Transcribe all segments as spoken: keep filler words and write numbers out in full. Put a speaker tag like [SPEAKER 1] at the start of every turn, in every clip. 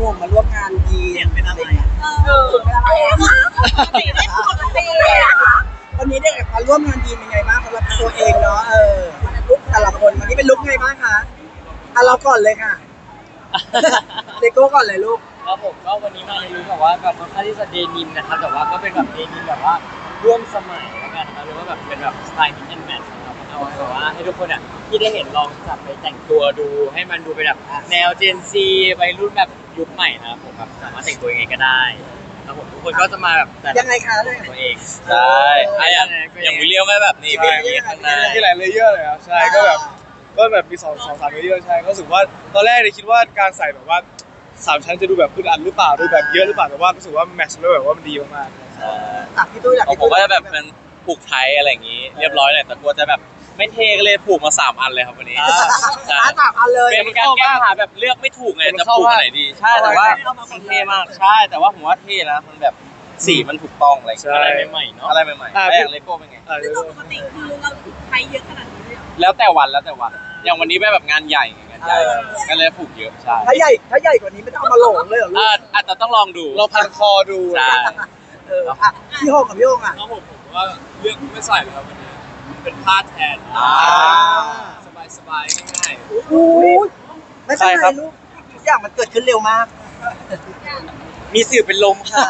[SPEAKER 1] วงมาร่วมงานดีเป็นอะไรเออเป็นอะไรปกติได้ปกติวันนี้ได้มาร่วมงานดีเป็นไงบ้างสำหรับตัวเองเนาะเออลุคแต่ละคนวันนี้เป็นลุคไงบ้างคะอ่ะเราก่อนเลยค่ะเลโก้ก่อนเลยลูก
[SPEAKER 2] ครับผมก็วันนี้มาในลุคแบบว่าแบบค่อนข้างที่จะเดนิมนะครับแต่ว่าก็เป็นแบบเดนิมแบบว่าร่วมสมัยแล้วกันนะครับหรือว่าแบบเป็นแบบสไตล์มิกซ์แอนด์แมทช์นะครับเอาไว้แบบว่าให้ทุกคนอ่ะที่ได้เห็นลองจับไปแต่งตัวดูให้มันดูเป็นแบบแนวเจนซีวัยรุ่นแบบยุคใหม่นะครับผมแบบสามารถแต่งตัวยังไงก็ได้แล้วผมทุกคนก็จะมาแบบแต่
[SPEAKER 1] ยังไงคะเลย
[SPEAKER 2] ตัวเอง
[SPEAKER 3] ใช่อย่างอย่างวิลเลียมไม่แบบนี้เป็นอย่างนี้ข้างหน้า
[SPEAKER 4] ที่หลายเลเยอร์เลยครับใช่ก็แบบก็แบบมีสองสองสามเลเยอร์ใช่ก็รู้สึกว่าตอนแรกเลยคิดว่าการใส่แบบว่าสามชั้นจะดูแบบอึดอัดหรือเปล่าดูแบบเยอะหรือเปล่าแต่ว่ารู้สึกว่าแมทช์แล้วแบบว่ามันดีมาก
[SPEAKER 1] ๆตักพี่ตุ้ยอยาก
[SPEAKER 3] ผมก็จะแบบเป็นผูกไทยอะไรอย่างนี้เรียบร้อยหน่อยแต่กลัวจะแบบไม่เท่ก็เลยผูกมาสามอันเลยครับวันนี้
[SPEAKER 1] ใช่สามอันเลย
[SPEAKER 3] เป็นการแก้ปัญหาแบบเลือกไม่ถูกไงจะผูกไหนดีใช่แต่ว่ามันเท่มากใช่แต่ว่าผมว่าเท่นะมันแบบสีมันถูกต้องอะไร
[SPEAKER 2] อะไรใหม่ๆเนาะ
[SPEAKER 3] อะไรใหม่ๆแล้วอย่างเลโก้เป็นไง
[SPEAKER 5] ปกติคือเราใช้เยอะขนาดนี้เลย
[SPEAKER 3] แล้วแต่วันแล้วแต่วันอย่างวันนี้เป็นแบบงานใหญ่งานใหญ่ก็เลยผูกเยอะใช่
[SPEAKER 1] ถ้าใหญ่ถ้าใหญ่กว่านี้ไม่ต้องเอามาหลงเลยเหรอลูก
[SPEAKER 3] อาจจะต้องลองดู
[SPEAKER 4] เราพันคอดู
[SPEAKER 3] ใช่
[SPEAKER 1] เอออ่ะพี่โฮงกับพี่โฮงอ่ะ
[SPEAKER 6] ครับผมผมว่าเลือกไม่ใส่เลยครับวันนี้เป็นผ้าแทนสบายสบายง่าย
[SPEAKER 1] ๆอู้ไม่เป็นไรลูกทุกอย่างมันเกิดขึ้นเร็วมาก
[SPEAKER 3] มีสื่อเป็นลมค่ะ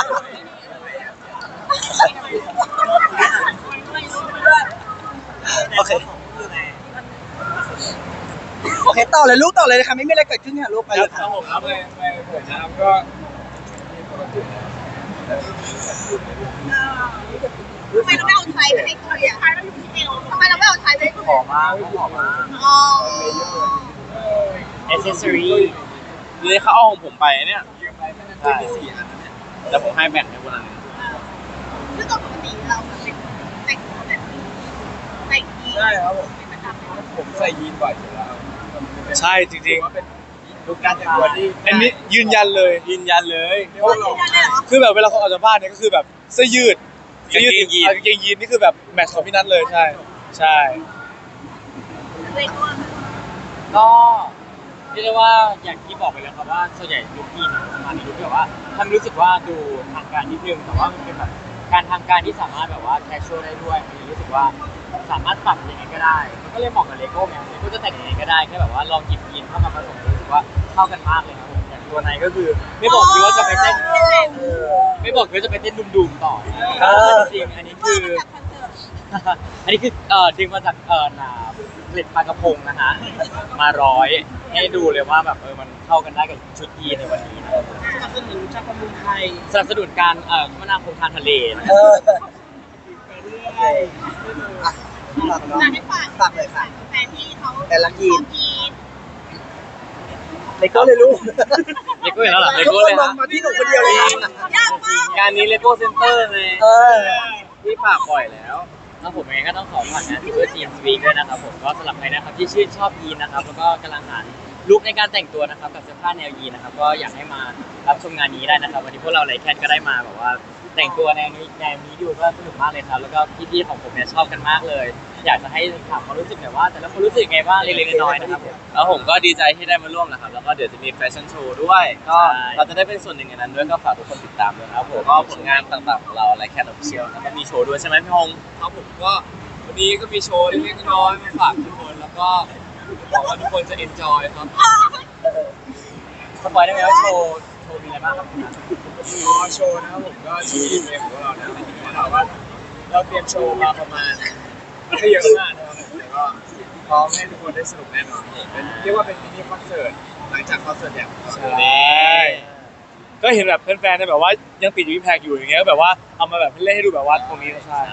[SPEAKER 1] โอเคโอเคต่อเลยลูกต่อเลยนะคะไม่มีอะไรเกิดขึ้นค่ะลูกไปเลย
[SPEAKER 6] ครับผมครับไปไปผมนะครับก็
[SPEAKER 5] ทำไมเราไม่เอาไทยไปให้คุยอ่ะทำไมเราไม่เอาไทยไปให้คุย
[SPEAKER 2] หอมมากหอมมาก
[SPEAKER 5] อ๋อ
[SPEAKER 2] แอคเซสซอรี่
[SPEAKER 3] นี่เขาเอาของผมไปเนี่ยใช่แต่ผมให้แบ่งให้คนนั้น
[SPEAKER 5] ซึ่งปกติเราเป็นแต่งตัวแบบแต่งยีน
[SPEAKER 6] ใช่ครับผมผมใส่ยีนบ่อยอยู่แล้ว
[SPEAKER 4] ใช่จริงๆ
[SPEAKER 6] ว่าเป็นลุคการแต่งตัวที่
[SPEAKER 4] อันนี้ยืนยันเลย
[SPEAKER 3] ยืนยันเลย
[SPEAKER 4] คือแบบเวลาเขาออกจากบ้านเนี่ยก็คือแบบเสื้อยืดเสื้อยืดยีนกางเกงยีนนี่คือแบบแมทช์ของพี่นัทเลยใช่ใช่
[SPEAKER 2] ก็เรียกได้ว่าอย่างที่บอกไปแล้วครับว่าส่วนใหญ่ลุคยีนมาในลุคแบบว่าทำรู้สึกว่าดูทางการนิดนึงแต่ว่ามันเป็นแบบการทางการที่สามารถแบบว่าแคชชวลได้ด้วยมันรู้สึกว่าสามารถปรับยังไงก็ได้มันก็เลยเหมาะกับเลโก้ไงเลโก้จะแต่งยังไงก็ได้แค่แบบว่าลองหยิบยีนเข้ามาผสมรู้สึกว่าเข้ากันมากเลยครับผมอย่างตัวไหนก็คือไม่บอกคือว่าจะไปเต้นไม่บอกคือจะไปเต้นดุมๆต่อจริงอันนี้คืออันนี้คือเอ่อดึงมาจากเอ่อนาผลิตปลากระพงนะฮะมาร้อยให้ดูเลยว่าแบบเออมันเข้ากันได้กับชุดยีนในวันนี้นะ
[SPEAKER 1] สนับสนุนชาติประมงไทย
[SPEAKER 2] สนับสนุนการเอ่อคมนาคมทางทะเลนะ
[SPEAKER 1] เออไปเรื่อยอ่ะฝากเนาะฝากเลยค่ะ
[SPEAKER 5] แฟนที่เขา
[SPEAKER 1] แต่ละยีน
[SPEAKER 5] น
[SPEAKER 1] เลโก้เลยลูก
[SPEAKER 2] เลโก้แล้วเหรอเลโก้เลยฮะ
[SPEAKER 1] มาที่หนูคนเดียวเลย
[SPEAKER 5] ยากมาก
[SPEAKER 2] งานนี้เลโก้เซ็นเตอร์เลย
[SPEAKER 1] เออ
[SPEAKER 2] ที่ฝากบ่อยแล้วแล้วผมเองก็ต้องขอฝากงานที่เบอร์จีนสวีด้วยนะครับผมก็สำหรับใครนะครับที่ชื่นชอบยีนนะครับแล้วก็กำลังหาลุคในการแต่งตัวนะครับกับเสื้อผ้าแนวยีนนะครับก็อยากให้มารับชมงานนี้ได้นะครับวันนี้พวกเราไลแคนก็ได้มาแบบว่าแต่งตัวแนวนี้แนวนี้ดูก็สนุกมากเลยครับแล้วก็พี่ๆของผมเนี่ยชอบกันมากเลยอยากจะให้ถามความรู้สึกหน่อยว่าแต่ละคนรู้สึกไงบ้างเล็กๆน้อยๆนะครับ
[SPEAKER 3] แล้วผมก็ดีใจที่ได้มาร่วมนะครับแล้วก็เดี๋ยวจะมีแฟชั่นโชว์ด้วยก็เราจะได้เป็นส่วนหนึ่งในนั้นด้วยก็ฝากทุกคนติดตามด้วยนะครับผมก็ผลงานต่างๆของเราไลแคนออฟฟิเชียลแล้วก็มีโชว์ด้วยใช่ไหมพี่ฮง
[SPEAKER 6] ครับผมก็วันนี้ก็มีโชว์เล็กๆน้อยๆมาฝากทุกคนแล้วก็หวังว่าทุกคนจะเอนจอยครับ
[SPEAKER 2] สปอยได้ไหมว่าโชว์โชว์มีอะไรบ้างครับ
[SPEAKER 6] อ๋อโชว์นะครับผมก็ที่เพลงของเราเนี่ยเราว่าเราเตรียมโชว์มาประมาณไม่เยอะมากนะครับแต่ก็พร้อมให้ทุกคนได้สนุกแน่นอนเป็นเรียกว่าเป็นมินิคอนเสิร์ตหลังจากคอนเสิร์ตอย่าง
[SPEAKER 4] ใช่ก็เห็นแบบแฟนๆเนี่ยแบบว่ายังติดอยู่ที่แพกอยู่อย่างเงี้ยก็แบบว่าเอามาแบบเล่นให้ดูแบบว่าตรงนี้ใช่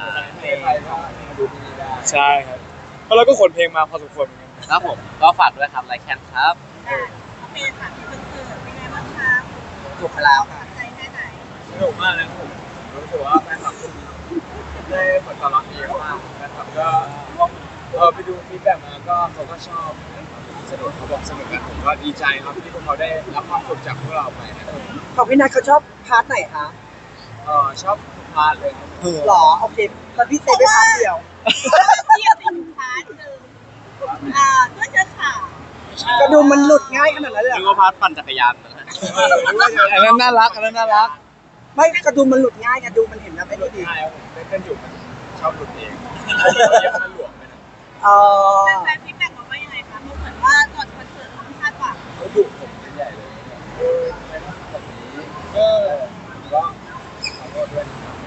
[SPEAKER 4] ใช่ครับแล้วเราก็ขนเพลงมาพอสมควรเหมือนกัน
[SPEAKER 3] ครับผมก็ฝากด้วยครับไลแคนครับ
[SPEAKER 5] โอเคค่ะคอนเสิร์ตเป็นไงบ้างคะ
[SPEAKER 1] จบไปแล้วค่ะ
[SPEAKER 5] ใจแค่ไหน
[SPEAKER 6] สนุกมากเลยครับผมรู้สึกว่าแฟนคลับได้ผลตอบรับดีมากแฟนคลับก็เออไปดูฟีดแบ็กมาก็เขาก็ชอบสนุกเขาบอกสนุกกันผมก็ดีใจครับที่พวกเขาได้รับความสุขจากพวกเราไปนะครับ
[SPEAKER 1] ของพี่นัทเขาชอบพาร์ทไหนคะ
[SPEAKER 6] เออชอบทุกพาร์ทเลย
[SPEAKER 1] หรอโอเคแล้วพี่เต้ไปพาร์ทเดียว
[SPEAKER 5] เที่ยวไปพาร์ทหนึ่งอ่าก็จะข่าว
[SPEAKER 1] กระดุมมันหลุดง่ายขนาดนั้นเลยเหร
[SPEAKER 3] นึก
[SPEAKER 1] อ
[SPEAKER 3] ว่าพาร์ทปั่นจักรยานนะฮะ
[SPEAKER 4] อันนั้นน่ารักอันนั้นน่ารัก
[SPEAKER 1] ไม่กระดุมมันหลุดง่ายกระดุมมันเห็นนะไม่ได้ดี
[SPEAKER 6] ใช่ครับผมเต้นอยู่มันชอบหลุดเองมันหลวมไปนะ
[SPEAKER 1] เออ
[SPEAKER 5] แฟนๆฟีดแบ็กบอกว่ายังไงคะเพราะเหมือนว่าก่อนคอนเสิร์ตเขาไม่คาดหวัง
[SPEAKER 6] เขาดุผมเป็นใหญ่เลยเออไม่ทำแบบนี้เออก็ขอโทษด้วย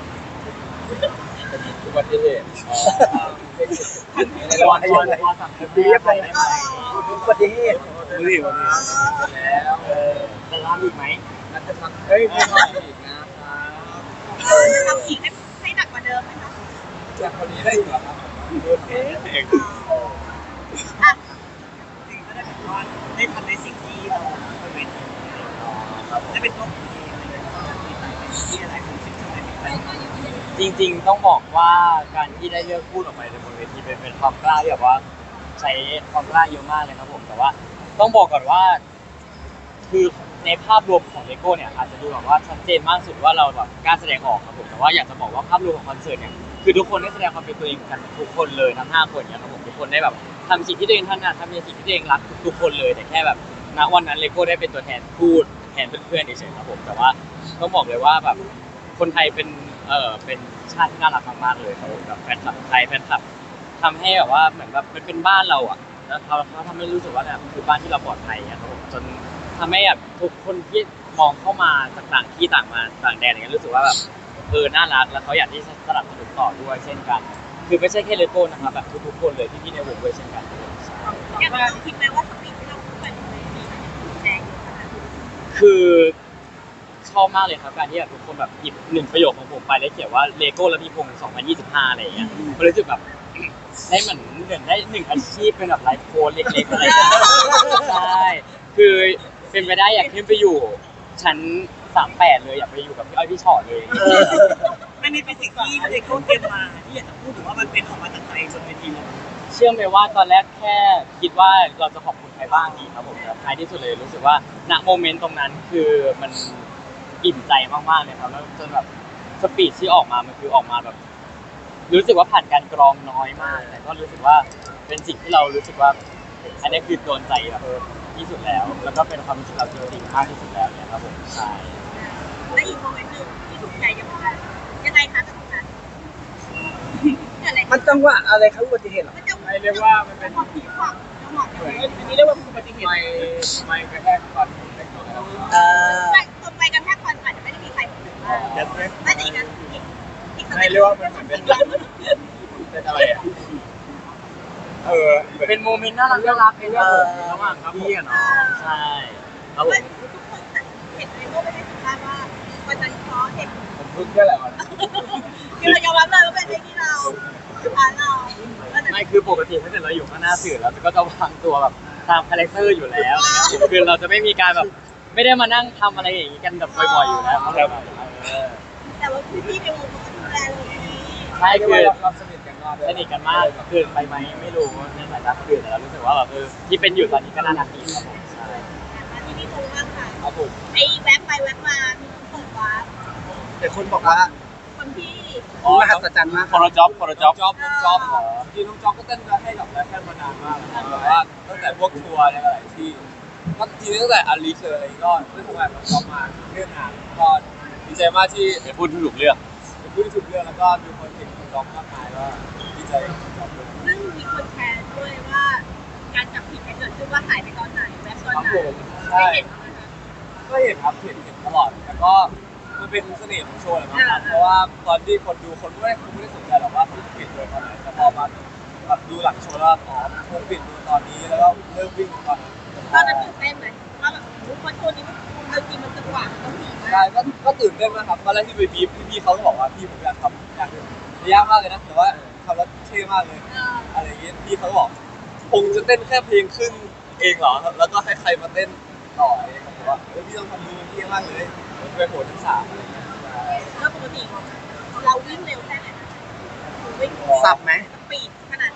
[SPEAKER 6] นะครับอุบัติเหตุในระหว่าง
[SPEAKER 2] ต
[SPEAKER 6] ที่
[SPEAKER 2] อน
[SPEAKER 6] อะไร
[SPEAKER 2] ตอนสั่งเรียบไปได้ไหม
[SPEAKER 1] อุบัติเหตุ
[SPEAKER 4] ดูดิวันนี้
[SPEAKER 6] แล้วเออ
[SPEAKER 2] จะรับอีกไหม
[SPEAKER 6] นัดจะทำเฮ้ยไม่ทำอีกนะครับ
[SPEAKER 5] เออจะทำอีกให้ให้หนักกว่าเดิมไหมคะ
[SPEAKER 6] จากคนนี้ได้อีกเหรอครับโอเคเอง
[SPEAKER 5] อ่ะ
[SPEAKER 1] จริงก็ได้แบบว่าได้ทำในสิ่งที่เราเป็นเวทีได้เป็นตัวของตัวเองอะไรอย่างเงี้ยมีใจเป็นที่อะไรของสิ่งที่เราเป็น
[SPEAKER 2] จริงๆต้องบอกว่าการที่ได้เลือกพูดออกไปในบนเวทีเป็นเป็นความกล้าที่แบบว่าใช้ความกล้าเยอะมากเลยครับผมแต่ว่าต้องบอกก่อนว่า คือในภาพรวมของเลโก้เนี่ยอาจจะดูแบบว่าชัดเจนมากสุดว่าเราแบบกล้าแสดงออกครับผมแต่ว่าอยากจะบอกว่าภาพรวมของคอนเสิร์ตเนี่ยคือทุกคนได้แสดงความเป็นตัวเองกันทุกคนเลยทั้งห้าคนเนี่ยครับผมทุกคนได้แบบทำสิ่งที่ตัวเองถนัดทำในสิ่งที่ตัวเองรักทุกๆคนเลยแต่แค่แบบณวันนั้นเลโก้ได้เป็นตัวแทนพูดแทนเพื่อนๆเฉยๆครับผมแต่ว่าต้องบอกเลยว่าแบบคนไทยเป็นเออเป็นชาติที่น่ารักมากๆเลยครับผมแบบแฟนคลับไทยแฟนคลับทำให้แบบว่าเหมือนแบบมันเป็นบ้านเราอ่ะแล้วเขาเขาทำให้รู้สึกว่าแบบคือบ้านที่เราปลอดภัยอะครับผมจนทำให้แบบทุกคนที่มองเข้ามาจากต่างที่ต่างมาต่างแดนอย่างเงี้ยรู้สึกว่าแบบเออน่ารักแล้วเขาอยากที่จะสนับสนุนต่อด้วยเช่นกัน คือไม่ใช่แค่เลโก้นะครับแบบทุกๆคนเลยที่พี่ในวงด้วยเช่นกันครับผมใช่
[SPEAKER 5] อย่างเราคิดไหมว่าสปีดที่เราพูดไปในเวทีแรงขนาดนี้
[SPEAKER 2] คือชอบมากเลยครับการที่แบบทุกคนแบบหยิบหนึ่งประโยคของผมไปแล้วเขียนว่าเลโก้และพี่พงศ์สองพันยี่สิบห้าอะไรอย่างเงี้ยมันรู้สึกแบบได้เหมือนเหมือนได้หนึ่งอาชีพเป็นแบบไลฟ์โค้ชเล็กๆอะไรอย่างเงี้ยใช่คือเป็นไปได้อยากขึ้นไปอยู่ชั้นสามแปดเลยอยากไปอยู่กับพี่อ้อยพี่ชอตเลย
[SPEAKER 1] อันนี้เป็นสิ่งที่เลโก้เตรียมมาที่อยากจะพูดถึงว่ามันเป็นออกมาจากใจจนเวทีเลย
[SPEAKER 2] เชื่อไหมว่าตอนแรกแค่คิดว่าเราจะขอบคุณใครบ้างดีครับผมแต่ท้ายที่สุดเลยรู้สึกว่าณโมเมนต์ตรงนั้นคือมันอิ่มใจมากๆเลยครับแล้วจนแบบสปีดที่ออกมามันคือออกมาแบบ รู้สึกว่าผ่านการกรองน้อยมากแต่ก็รู้สึกว่าเป็นสิ่งที่เรารู้สึกว่า อันนี้คือโดนใจแบบที่สุดแล้ว แล้วก็เป็นความรู้สึกเราจริงๆมากที่สุดแล้วเนี่ยครับผมใช่
[SPEAKER 5] และอีกโมเมนต์หนึ่งที่ถูกใจยังไงยังไงคะตรงนั้นอะไร
[SPEAKER 1] มันจังหวะอะไรครับอุบัติเหตุเหรอ
[SPEAKER 5] มันจะ
[SPEAKER 6] ไม่เรียกว่ามันเป็น
[SPEAKER 5] ความผิดหวังจังหวะ
[SPEAKER 6] เหมือน
[SPEAKER 1] อันนี้เรียกว่าอุบัติเหตุ
[SPEAKER 6] ไม่ไม่กระแทกฟันเล็กน้อยครับ
[SPEAKER 1] เออ
[SPEAKER 5] ไม่ตรงไปกันแทกฟันอาจจะไม่ได้มีใครพูดถึงว่าไม่แต่อีกนั้นอีกอีก
[SPEAKER 6] ไม่เรียกว่ามันเหมือนเป็นเป็นอะไรอ่ะเออ
[SPEAKER 2] เป็นโมเมนต์น่ารักน่ารักเป็นระหว่างระหว่างพี่อะเนาะใช่ครับผม
[SPEAKER 5] ทุกคนเห็นไอ้โม่ไม่ได้สัมภาษณ์ว่าวันนั้นเพราะเห็น
[SPEAKER 6] ผมพึ่งแค่แหละวัน
[SPEAKER 5] คือเรายอมรับเลยว่าเป็นเพลงที่เราผ่านเรา
[SPEAKER 2] ไม่คือปกติถ้าเกิดเราอยู่ข้างหน้าสื่อเราก็จะวางตัวแบบตามคาแรคเตอร์อยู่แล้วนะครับคือเราจะไม่มีการแบบไม่ได้มานั่งทำอะไรอย่างนี้กันแบบบ่อยๆอยู่แล้วครับเออ
[SPEAKER 5] แต่ว่าพี่ในวงเขาดูแลเลย
[SPEAKER 2] ใช่
[SPEAKER 6] คื
[SPEAKER 2] คือ อ
[SPEAKER 6] เราสนิทกันมาก
[SPEAKER 2] สนิทกันมากเกินไปไหมไม่รู้ในสายตาคนอื่นแต่เรารู้สึกว่าแบบเออที่เป็นอยู่ตอนนี้ก็น่ารักดีครับผมใช่
[SPEAKER 5] มาที่นี่คงมากค่ะ
[SPEAKER 6] ครับผม
[SPEAKER 5] ไอ้แวบไปแวบมามีคนเปิดวาร์ป
[SPEAKER 1] แต่คนบอกว่า
[SPEAKER 5] คนที่
[SPEAKER 1] มหัศจรรย์มาก
[SPEAKER 3] คนละจ็อบคนละจ็อบ
[SPEAKER 6] จ็อบน้องจ็อบเหรอจริงน้องจ็อบก็เต้นมาให้กับแรปเปอร์มานานมากแล้วแบบว่าตั้งแต่พวกทัวร์ในหลายที่ก็จริงตั้งแต่อาลีเชอร์อะไรก็ได้ทำงานกับน้องจ็อบมาเรื่องงานก็ดีใจมากที่
[SPEAKER 3] เป็นพูดที่ถูกเรื่อง
[SPEAKER 6] เป็นผู้ที่ถูกเลือกแล้วก็มีคนเก่งน้องจ็อบมากมายก็ดีใจกับน้องจ็อบด้วย
[SPEAKER 5] ซึ่งมีคนแชร์ด้วยว่าการจับผิดเกิดขึ้นว่าหายไปตอนไหนแวบตอน
[SPEAKER 6] ครับ
[SPEAKER 5] ไหน
[SPEAKER 6] ผม
[SPEAKER 5] ไม่
[SPEAKER 6] ใช่
[SPEAKER 5] เห็นนะคะ
[SPEAKER 6] ก็เห็นครับเห็นเห็นตลอดแต่ก็มันเป็นเสน่ห์ของโชว์แหละมั้งครับเพราะว่าตอนที่คนดูคนไม่ได้คนไม่ได้สนใจหรอกว่าเขาปิดโดยตอนไหนแต่พอมาแบบดูหลังโชว์แล้วอ๋อคนปิดโดยตอนนี้แล้วก็เริ่มวิ่งตอนนั้น
[SPEAKER 5] ตอนนั้นตื่นเต้นไหมว่าแบบคนโชว์นี้มันดนตรีมันจังหวะต้องดีมา
[SPEAKER 6] ใช่
[SPEAKER 5] ก
[SPEAKER 6] ก็ก็ตื่นเต้นมากครับตอนแรกที่ไปบีบพี่ๆเขาก็บอกว่าพี่ผมอยากทำอย่างหนึงยากมากเลยนะแต่ว่าทำแล้วเท่มากเลย
[SPEAKER 5] เออ
[SPEAKER 6] อะไรอย่างเงี้ยพี่เขาก็บอกคงจะเต้นแค่เพลงครึ่งเองเหรอแล้วก็ให้ใครมาเต้นต่อเองผมบอกว่าเฮ้ยพี่ต้องทำมือพี่มากเลยมันเป็นโหดทั้งสามอะไรเงี้ยใช่
[SPEAKER 5] แล้วปกติเราวิ่งเร็วแค่ไหนนะวิ่ง
[SPEAKER 1] สับไหม
[SPEAKER 5] สปีดขนาดไหน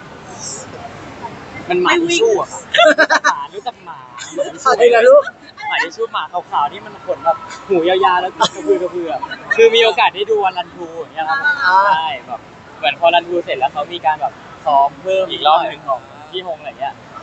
[SPEAKER 2] มันหมาทิชชู่อะครับหมารู้จักหมาหมาทิชชู่
[SPEAKER 1] อะไรนะลูก
[SPEAKER 2] หมาทิชชู่หมาขาวๆที่มันขนแบบหูยาวๆแล้วกระพือกระพืออะคือมีโอกาสได้ดูวันรันทูอย่างเงี้ยครับใช่แบบเหมือนพอรันทูเสร็จแล้วเขามีการแบบซ้อมเพิ่ม
[SPEAKER 3] อีกรอบหนึ่ง
[SPEAKER 2] ของพี่ฮงอะไรเงี้ย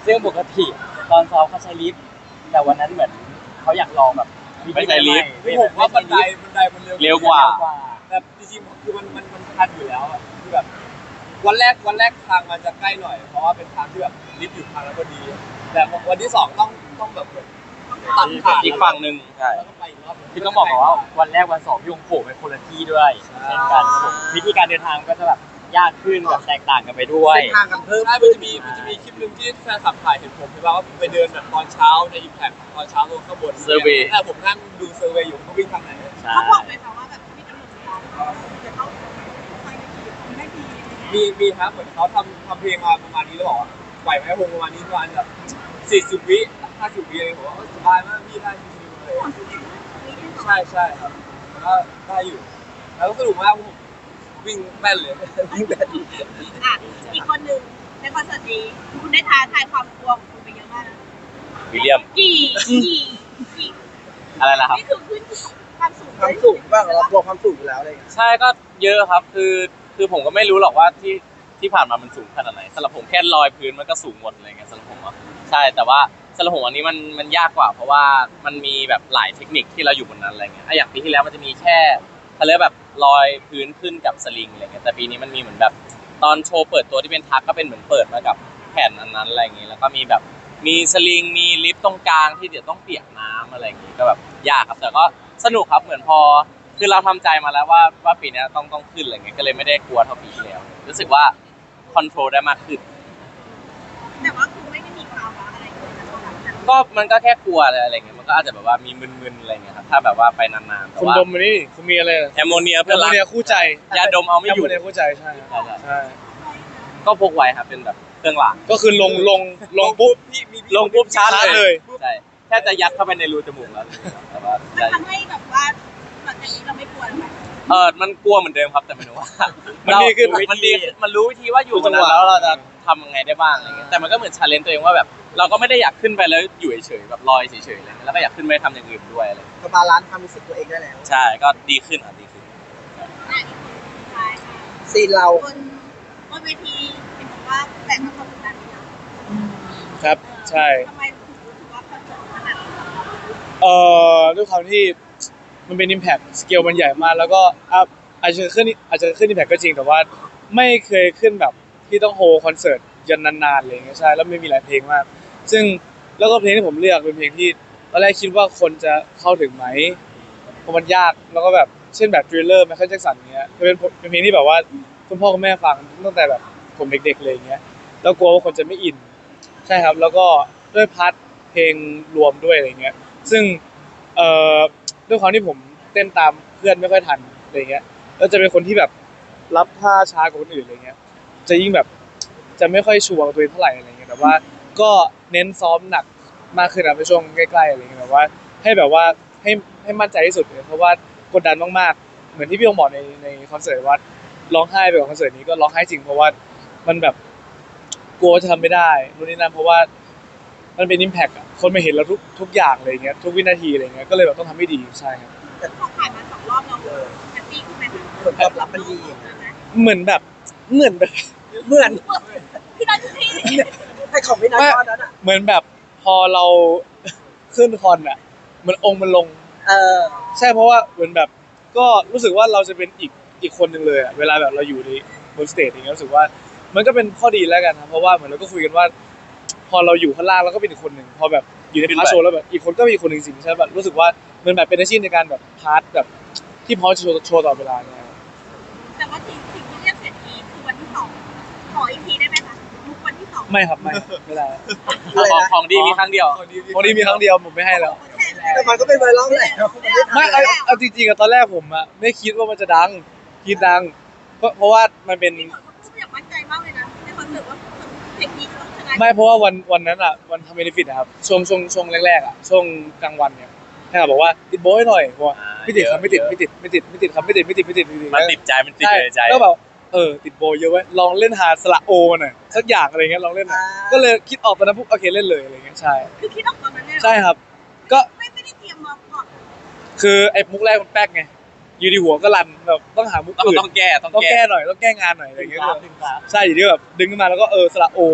[SPEAKER 2] ซึ่งปกติตอนซ้อมเขาใช้ลิฟต์แต่วันนั้นเหมือนเขาอยากลองแบบ
[SPEAKER 3] ไม่ใช่ลิฟต์
[SPEAKER 6] คือผมว่าบันไดบันไดมันเร็ว
[SPEAKER 3] เร็วกว่า
[SPEAKER 6] แต่จริงๆคือมันมันมันทันอยู่แล้วอะคือแบบวันแรกวันแรกทางมันจะใกล้หน่อยเพราะว่าเป็นทางที่แบบลิฟต์อยู่ทางแล้วพอดี แต่วันที่สองต้องต้องแบบตัดผ่าน
[SPEAKER 3] อีกฝั่งหนึ่งใช่
[SPEAKER 6] แล้วก็ไปอีกรอบหนึ่ง
[SPEAKER 2] คือต้องบอกก่อนว่าวันแรกวันสองพี่ยงโผล่เป็นคนละที่ด้วยเช่นกันครับผมวิธีการเดินทางก็จะแบบยากขึ้นแบบแตกต่างกันไปด้วย
[SPEAKER 1] เส้นทางกันเพิ่ม
[SPEAKER 6] ใช่มันจะมีมันจะมีคลิปหนึ่งที่แฟนคลับถ่ายเห็นผมใช่ป่ะว่าผมไปเดินแบบตอนเช้าในอิมแพคตอนเช้าลงข้างบน
[SPEAKER 3] Survey
[SPEAKER 6] แต่ผมนั่งดูเซอร์เวย์อยู่เขาวิ่งทางไหน
[SPEAKER 2] ใช่
[SPEAKER 5] เขาบอกไหมคะว่าแบบมีกำหนดเวลาจะต้องไปไม่ดีไม่ดี
[SPEAKER 6] มีมีครับเหมือนเขาทำทำเพลงมาประมาณนี้แล้วบอกว่าปล่อยไว้ให้วงประมาณนี้ประมาณแบบสี่สิบวิห้าสิบวิอะไรผมว่าสบายมากพี่ได้ชิวๆเลยใช่ใช่ครับก็ได้อยู่แล้วก็สนุกมากผมวิ่งแม่นเลย
[SPEAKER 1] ยิ่งแบบ
[SPEAKER 5] อ่ะอีกคนหนึ่งในคอนเสิร์ตนี้คุณได้ท้าทายความกลัวของคุณไปเยอะมากนะ
[SPEAKER 3] วิลเลียม
[SPEAKER 5] กี่กี่กี่
[SPEAKER 3] อะไรนะครับ
[SPEAKER 5] นี่คือขึ้นความสูง
[SPEAKER 1] ความสูงบ้างเรากลัวความสูงอยู่แล้วอะไรอย่างเงี้ย
[SPEAKER 3] ใช่ก็เยอะครับคือคือผมก็ไม่รู้หรอกว่าที่ที่ผ่านมามันสูงขนาดไหนสำหรับผมแค่ลอยพื้นมันก็สูงหมดอะไรเงี้ยสำหรับผมอะใช่แต่ว่าสำหรับผมอันนี้มันมันยากกว่า เพราะว่ามันมีแบบหลายเทคนิคที่เราอยู่บนนั้นอะไรเงี้ยอ่ะอย่างปีที่แล้วมันจะมีแค่เขาเรียกแบบลอยพื้นขึ้นกับสลิงอะไรเงี้ยแต่ปีนี้มันมีเหมือนแบบตอนโชว์เปิดตัวที่เป็นทักก็เป็นเหมือนเปิดมากับแผ่นอันนั้นอะไรเงี้ยแล้วก็มีแบบมีสลิงมีลิฟต์ตรงกลางที่เดี๋ยวต้องเปียกน้ำอะไรอย่างงี้ก็แบบยากครับแต่ก็สนุกครับเหมือนพอ คือเราทำใจมาแล้วว่าว่าปีนี้ต้องต้องขึ้นอะไรเงี้ยก็เลยไม่ได้กลัวเท่าปีที่แล้วรู้สึกว่าคอนโทรลได้มากขึ้น
[SPEAKER 5] แต่ว่าคุณไม่ได้มีภาวะอะไรเลยนะตอนนั้นนะ
[SPEAKER 3] ก็มันก็แค่กลัวอะไรเงี้ยมันก็อาจจะแบบว่ามีมึนๆอะไรเงี้ยครับถ้าแบบว่าไปนานๆแต่
[SPEAKER 4] คุณ
[SPEAKER 3] ว่า
[SPEAKER 4] ดมมานี่คุณมีอะไรนะ
[SPEAKER 3] แอมโมเนีย
[SPEAKER 4] แอ
[SPEAKER 3] เพื่อ
[SPEAKER 4] มโม
[SPEAKER 3] รัก
[SPEAKER 4] เนียคู่ใจ
[SPEAKER 3] ยาดมเอาไม่
[SPEAKER 4] แอ
[SPEAKER 3] อ
[SPEAKER 4] ม
[SPEAKER 3] ยู่
[SPEAKER 4] โมเนียคู่ใจใช่
[SPEAKER 3] ใช่ใช่
[SPEAKER 4] ใช่
[SPEAKER 3] ก็พกไว้ครับเป็นแบบเครื่องราง
[SPEAKER 4] ก็คือลงลงลงปุ๊บ
[SPEAKER 6] พี่มี
[SPEAKER 3] ลงปุ๊บชาร์จ
[SPEAKER 4] ชาร์จ
[SPEAKER 3] เล
[SPEAKER 4] เลย ย
[SPEAKER 3] ใช่แค่จะยัดเข้าไปในรูจมูกแล้วแต่ว่า
[SPEAKER 5] มัน
[SPEAKER 3] ใช่
[SPEAKER 5] ทำให้แบบว่าหลังจากนี้เราไม่กลัวแล้วไหม
[SPEAKER 3] เออมันกลัวเหมือนเดิมครับแต่ไม่รู้ว่า
[SPEAKER 4] มันดีขึ้น
[SPEAKER 3] มันดีขึ้นมันรู้วิธีว่าอยู่ตรงนั้นแล้วเราจะทำยังไงได้บ้างอะไรเงี้ยแต่มันก็เหมือนชาเลนจ์ตัวเองว่าแบบเราก็ไม่ได้อยากขึ้นไปแล้วอยู่เฉยๆแบบลอยเฉยๆอะไรเงี้ยแล้วก็อยากขึ้นไปทำอย่างอื่นด้วยอะไร
[SPEAKER 1] ก็บาลานซ์ความรู้สึกตัวเองได้แล้ว
[SPEAKER 3] ใช่ก็ดีขึ้นอ่ะดีขึ้น
[SPEAKER 5] อ่ะอีกคนสุดท้ายค่ะ
[SPEAKER 1] ซีนเรา
[SPEAKER 5] บนบนเวทีเห็นบอกว่าแต่งมาความกดดันนี้นะครับ
[SPEAKER 4] ใช่
[SPEAKER 5] ทำไมถึงรู้สึกว่าคอนเสิร์ตขนาดนี้
[SPEAKER 4] เอ่อด้วยความที่มันเป็น impact สเกลมันใหญ่มากแล้วก็อ่ะอาจจะขึ้นอาจจะขึ้น impact ก็จริงแต่ว่าไม่เคยขึ้นแบบที่ต้องโฮคอนเสิร์ตยันนานๆอะไรอย่างเงี้ยใช่แล้วไม่มีหลายเพลงมาก ซึ่งแล้วก็เพลงที่ผมเลือกเป็นเพลงที่ตอนแรกคิดว่าคนจะเข้าถึงไหมเพราะมันยากแล้วก็แบบเช่นแบบทริลเลอร์ไมเคิลแจ็คสันเงี้ยเป็นเป็นเพลงที่แบบว่าคุณพ่อคุณแม่ฟังตั้งแต่แบบผมเด็กๆเลยอย่างเงี้ยแล้วกลัวว่าคนจะไม่อินใช่ครับแล้วก็ด้วยพาร์ทเพลงรวมด้วยอะไรเงี้ยซึ่งเอ่อด้วยความที่ผมเต้นตามเพื่อนไม่ค่อยทันอะไรเงี้ยแล้วจะเป็นคนที่แบบรับท่าช้ากว่าคนอื่นอะไรเงี้ยจะยิ่งแบบจะไม่ค่อยชัวร์กับตัวเองเท่าไหร่อะไรเงี้ยแต่ว่าก็เน้นซ้อมหนักมากขึ้นนะในช่วงใกล้ๆอะไรเงี้ยแบบว่าให้แบบว่าให้ให้มั่นใจที่สุดเลยเพราะว่ากดดันมากๆเหมือนที่พี่องบอกในในคอนเสิร์ตว่าร้องไห้ไปกับคอนเสิร์ตนี้ก็ร้องไห้จริงเพราะว่ามันแบบกลัวว่าจะทำไม่ได้นู่นนี่นั่นเพราะว่ามันเป็นอิมแพคอะคนมาเห็นเราทุกทุกอย่างอะไรเงี้ยทุกวินาทีอะไรเงี้ยก็เลยแบบต้องทำให้ดีใช่ครับ
[SPEAKER 5] พอผ่านมาสองรอบเราแฮปปี้ขึ้นไหมคะ
[SPEAKER 1] ผลตอบรับมันดี
[SPEAKER 4] เหมือนแบบเหมือนแบบ
[SPEAKER 1] เหมือน
[SPEAKER 5] พี่นัทพี่
[SPEAKER 1] ให้ของไม่น้อยตอนนั้นอ่ะ
[SPEAKER 4] เหมือนแบบพอเรา ขึ้นคอนอ่ะเหมันองค์มันลง
[SPEAKER 1] เออ
[SPEAKER 4] ใช่เพราะว่าเหมือนแบบก็รู้สึกว่าเราจะเป็นอีกอีกคนหนึ่งเลยอะเวลาแบบเราอยู่ในบนสเตจอย่างเงี้ยรู้สึกว่ามันก็เป็นข้อดีแล้วกันครับเพราะว่าเหมือนเราก็คุยกันว่า พอเราอยู่ข้างล่างเราก็เป็นอีกคนหนึ่งพอแบบอยู่ในพาร์ทโชว์แล้วแบบอีกคนก็เป็นอีกคนหนึ่งสิใช่แบบรู้สึกว่ามันแบบเป็นอาชีพในการแบบพาร์ทแบบที่พร้อมจะโชว์โชว์ต่อเวลาเนี่ย
[SPEAKER 5] แต่ว่าสิ่งสิ่งที่เรียกเสร็จทีคือวันที่สองขออีกทีได้ไหมคะมุกวันที่สอง
[SPEAKER 4] ไม่ครับไม่ไม่ได้
[SPEAKER 1] อะไร
[SPEAKER 3] ของ
[SPEAKER 1] นะ
[SPEAKER 3] ของดีมีครั้งเดียว
[SPEAKER 4] วันนี้มีครั้งเดียวผมไม่ให้แล้ว
[SPEAKER 1] แต่มันก็เป็นไวรัลแหละ
[SPEAKER 4] ไม่เอาเอาจริงๆอะตอนแรกผมอะไม่คิดว่ามันจะดังคิดดัง เพราะเพราะว่ามันเป็น
[SPEAKER 5] พี่หนุ่มพูดอย่างมั่นใจมากเลยนะในคอนเสิร์ตว่าเพลงนี้จะต้องชนะ
[SPEAKER 4] ไม่เพราะว่าวันวันนั้นอะวันทำเบนฟิตนะครับช่วงช่วงช่วงแรกๆอะช่วงกลางวันเนี่ยให้เขาบอกว่าติดโบยหน่อยบอกว่า
[SPEAKER 3] อ่า
[SPEAKER 4] ไม่ติดครับ
[SPEAKER 3] เยอะ
[SPEAKER 4] ไม่ติด
[SPEAKER 3] เยอะ
[SPEAKER 4] ไม่ติดไม่ติดไม่ติดครับไม่ติดไม่ติดไม่ติดไม่ติด
[SPEAKER 3] มันติดใจมันติด
[SPEAKER 4] ใช่
[SPEAKER 3] อยู่ในใจ
[SPEAKER 4] แล้วแบบเออติดโบเยอะไว้ยลองเล่นหาสระโอหน่อยสักอย่างอะไรเงี้ยลองเล่นหน่อยก็เลยคิดออกตอนนั้นปุ๊บโอเคเล่นเลยอะไรเงี้ยใช่
[SPEAKER 5] คือคิดออกตอนนั้นเลยเหรอ
[SPEAKER 4] ใช่ครับ ก็
[SPEAKER 5] ไม่ไม่ได้เตรียมมาก่อน
[SPEAKER 4] คือไอ้มุกแรกมันแป๊กไงอยู่ดีหัวก็รันแบบต้องหามุก
[SPEAKER 3] ต้อง
[SPEAKER 4] อื่น
[SPEAKER 3] ต้องแก้ต้อง
[SPEAKER 4] ต้อง
[SPEAKER 3] แก้
[SPEAKER 4] แก้หน่อยต้องแก้งานหน่อยอะไร
[SPEAKER 2] ดึง
[SPEAKER 4] เงี้ย
[SPEAKER 2] กราฟดึงกราฟ
[SPEAKER 4] ใช่อยู่ที่แบบดึงขึ้นมาแล้วก็เออสระโอ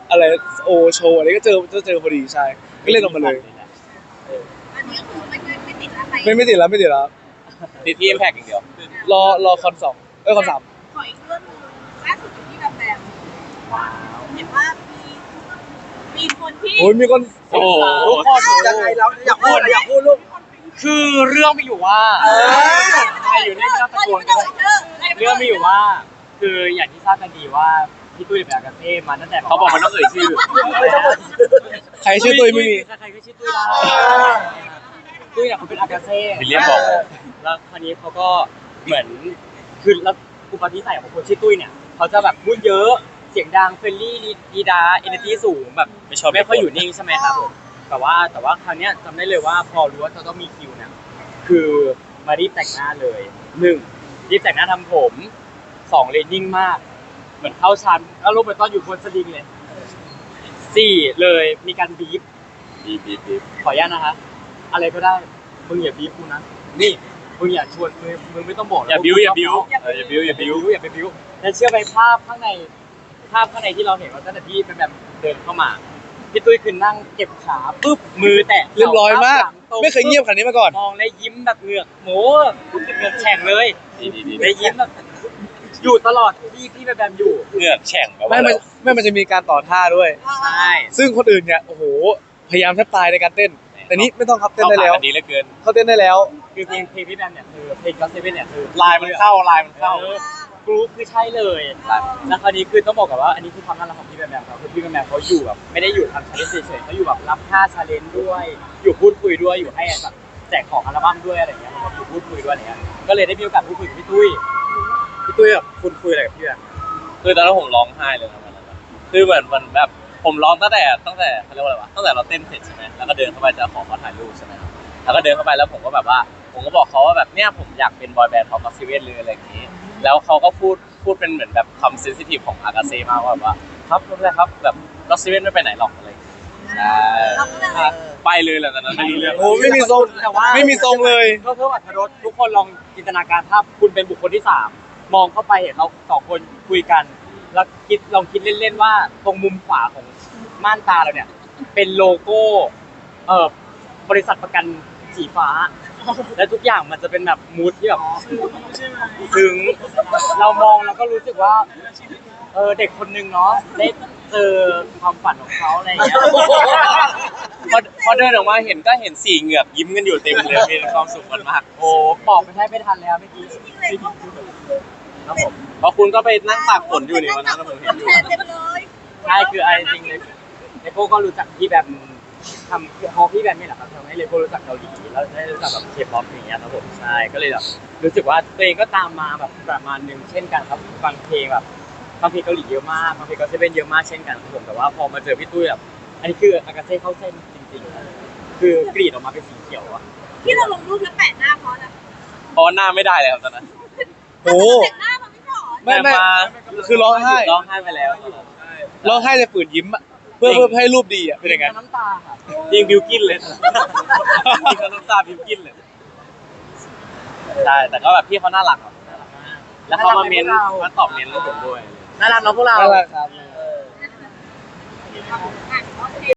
[SPEAKER 4] อะไรโอโชว์อะไรก็เจอก็เจอพอดีใช่ก็เล่นออกมาเลย
[SPEAKER 5] อันนี้ก็คือไม่ไม่ไม่ติดอะไร
[SPEAKER 4] ไม่ไม่ติดแล้วไม่ติดแล้ว
[SPEAKER 3] ติดที่ Impact อย่างเดียว
[SPEAKER 4] รอรอคอนสองเอ้ยคอนสาม
[SPEAKER 5] ขออีกเรื่องหนึงล่าสุดอยู่ที่แบบแบบ
[SPEAKER 2] ว้าว
[SPEAKER 5] เห็นว่ามีมีคนที่
[SPEAKER 4] โอ้ยมีคน
[SPEAKER 3] โอ้โห
[SPEAKER 2] ทุกคน
[SPEAKER 1] ยังไงเราอยากพูดอยากพูดลูก
[SPEAKER 2] คือเรื่องมีอยู่ว่า
[SPEAKER 1] เออ
[SPEAKER 2] ใครอยู่ในไม่ต้องตะโกนกันเลยเรื่องมีอยู่ว่า คืออย่างที่ทราบกันดีว่าพี่ตุ้ยเป็นอากาเซ่มาตั้งแต่
[SPEAKER 3] เขาบอกมันต้องเอ่ยชื่อ
[SPEAKER 1] ไม่ต้องหมด
[SPEAKER 4] ใครชื่อตุ้ยไม่มี
[SPEAKER 2] ใครๆก็ชื่อตุ้ยได้ตุ้ยเนี่ยเขาเป็นอากาเซ่
[SPEAKER 3] วิลเลียมบอก
[SPEAKER 2] แล้วคราวนี้เขาก็เหมือนคือแล้วอุปนิสัยของคนชื่อตุ้ยเนี่ยเขาจะแบบพูดเยอะเสียงดังเฟรนลี่ดีดาเอเนอร์จีสูงแบบ
[SPEAKER 3] ไม่ชอบ
[SPEAKER 2] ไม่ค่อยอยู่นิ่งใช่ไหมครับผมแต่ว่าแต่ว่าคราวเนี้ยจำได้เลยว่าพอรู้ว่าจะต้องมีคิวเนี่ยคือมารีบแต่งหน้าเลยหนึ่งรีบแต่งหน้าทำผมสองเลยนิ่งมาก เหมือนเข้าชั้นแล้วลงไปตอนอยู่บนสลิงเลยสี่เลยมีการบีบ
[SPEAKER 3] บีบบีบบีบ
[SPEAKER 2] ขออนุญาตนะคะ อะไรก็ได้ มึงอย่าบีบกูนะ นี่ มึงอย่าชวนมึงมึงไม่ต้องบอกนะ
[SPEAKER 3] อย่าบิ้วอย่าบิ้ว
[SPEAKER 2] อย่า
[SPEAKER 3] เอออย่าบิ้วอย่าบิ้ว
[SPEAKER 2] อย่าไปบิ้วแล้วเชื่อไหมภาพข้างใน ภาพข้างในที่เราเห็นว่าตั้งแต่พี่เป็นแบบเดินเข้ามา พี่ตุ้ยคือนั่งเก็บขาปุ๊บ มือแตะ
[SPEAKER 4] เรียบร้อยมาก
[SPEAKER 2] หลังตรง
[SPEAKER 4] ไม่เคยเงียบขนาดนี้มาก่อน
[SPEAKER 2] มองแล้วยิ้มแบบเหงือกโหเหงือกแฉ่งเลย
[SPEAKER 3] ดีดีดี
[SPEAKER 2] แล้วยิ้มแบบอยู่ตลอดที่พี่แบบอยู่
[SPEAKER 3] เหงือกแฉ่งแบบ
[SPEAKER 4] ไม่
[SPEAKER 3] ว่า
[SPEAKER 4] มันไม่มันจะมีการต่อท่าด้วย
[SPEAKER 2] ใช่
[SPEAKER 4] ซึ่งคนอื่นเนี่ยโอ้โหพยายามแทบตายในการเต้น แต่นี้ไม่ต้องครับเต้น
[SPEAKER 3] เข้า
[SPEAKER 4] ได้
[SPEAKER 3] ขา
[SPEAKER 4] แล้ว
[SPEAKER 3] กันดีเหลือเกิน
[SPEAKER 4] เขาเต้นได้แล้ว
[SPEAKER 2] คือเพลงเพลงพี่แบมเนี่ยคือเพลงก็เซเว่นเนี่ยคือ
[SPEAKER 3] ลายมันเข้าลายมันเข้า
[SPEAKER 2] เออกรุ๊ปคือใช่เลยแล้วคราวนี้คือต้องบอกกับว่าอันนี้คือความน่ารักของพี่แบมแบมครับคือพี่แบมแบมเขาอยู่แบบไม่ได้อยู่ทำชาเลนจ์เฉยๆเขาอยู่แบบรับค่าชาเลนจ์ด้วย อยู่พูดคุยด้วยอยู่ให้แบบแจกของอัลบั้มด้วยอะไรอย่างเงี้ยแล้วก็อยู่พูดคุยด้วยอะไรเงี้ยก็เลยได้มีโอกาสพูดคุยกับพี่ตุ้ยพี่ตุ้ยแบบคุณคุยอะไรกับพี่แบม
[SPEAKER 3] คือตอนนั้นผมร้องไห้เลยนะวันนั้นอะคือเหมือนมันแบบผมร้องตั้งแต่ตั้งแต่เขาเรียกว่าอะไรวะตั้งแต่เราเต้นเสร็จใช่ไหมแล้วก็เดินเข้าไปจะขอเขาถ่ายรูปใช่ไหมครับแล้วก็เดินเข้าไปแล้วผมก็แบบว่า ผมก็บอกเขาว่าแบบเนี่ยผมอยากเป็นบอยแบนด์ของก็อตซิเว่นเลยอะไรอย่างนี้ แล้วเขาก็พูดพูดเป็นเหมือนแบบคำเซนซิทีฟของอากาเซ่มากว่าแบบว่าครับไม่เป็นไรครับแบบก็อตซิเว่นไม่ไปไหนหรอกอะไรอย่างงี้ใช่
[SPEAKER 5] เราก็เลย
[SPEAKER 3] ไปเลยแหละตอนนั้นไม่รู้เรื่อง
[SPEAKER 4] โอ้ไม่มีทรง
[SPEAKER 2] แต่ว่า
[SPEAKER 4] ไม่มีทรงเลย
[SPEAKER 2] ก็เพิ่มอรรถรสทุกคนลองจินตนาการภาพคุณเป็นบุคคลที่สามมองเข้าไปเห็นเราสองคนคุยกัน แล้วคิดลองคิดเล่นๆว่าตรงมุมขวาของม่านตาเราเนี่ย เป็นโลโก้เอ่อบริษัทประกันสีฟ้า และทุกอย่างมันจะเป็นแบบมูดที่แบบถึงเรามองแล้วก็รู้สึกว่าเออเด็กคนนึงเนาะได้เจอความฝันของเขาอะไรอย่างเงี้ย
[SPEAKER 3] พอพอเดินออกมาเห็นก็เห็นสี่เหงือกยิ้มกันอยู่เต็มเลยมีความสุขกันมาก
[SPEAKER 2] โอ้บอกไม่ได้ไม่ทันแล้วเมื่อกี้
[SPEAKER 5] จริงๆเลยพวก
[SPEAKER 2] ครับผม
[SPEAKER 3] เพราะคุณก็ไปนั่งตากฝนอยู่ในวันนั้นนะผมเห็นอยู่
[SPEAKER 5] แทนเต็มเลย
[SPEAKER 2] ใช่คือไอ้จริงเลยเลโก้ก็รู้จักพี่แบบทำเพราะพี่แบบนี่แหละครับทำให้เลโก้รู้จักเกาหลีแล้วได้รู้จักแบบเคป๊อปอย่างเงี้ยครับผมใช่ก็เลยแบบรู้สึกว่าตัวเองก็ตามมาแบบประมาณหนึงเช่นกันครับฟังเพลงแบบฟังเพลงเกาหลีเยอะมากฟังเพลงเกาหลีเป็นเยอะมากเช่นกันครับผมแต่ว่าพอมาเจอพี่ตุ้ยแบบอันนี้คืออากาเซ่เข้าเส้นจริงๆครับคือกรีดออกมาเป็นสีเขียวอะ
[SPEAKER 5] ที่เราลงรูปแล้วแปะหน้าเพราะอะไร
[SPEAKER 3] เพราะว่าหน้าไม่ได้เลยครับตอนนั้น
[SPEAKER 4] โอ้
[SPEAKER 5] แต่งหน้ามันไม่หรอ
[SPEAKER 4] ไม่ไม่
[SPEAKER 3] แต่า
[SPEAKER 4] คือร้องไห้
[SPEAKER 3] ร้องไห้ไปแล้ว
[SPEAKER 4] ร้องไห้แต่ฝืนยิ้มอะเพื่อเพื่อให้รูปดีอ่ะเป็นยังไง
[SPEAKER 2] น้ำตาค่ะ
[SPEAKER 3] จริงบิวกินเลยจริงก็น้ำตาบิวกินเลยใช่แต่ก็แบบพี่เขาน่ารักครับน่ารักมากแล้วเขามาเมนมาตอบเมนให้ผมด้วย
[SPEAKER 2] น่ารักเนาะพวกเรา
[SPEAKER 4] น่ารักครับ
[SPEAKER 5] อ่ะโอเค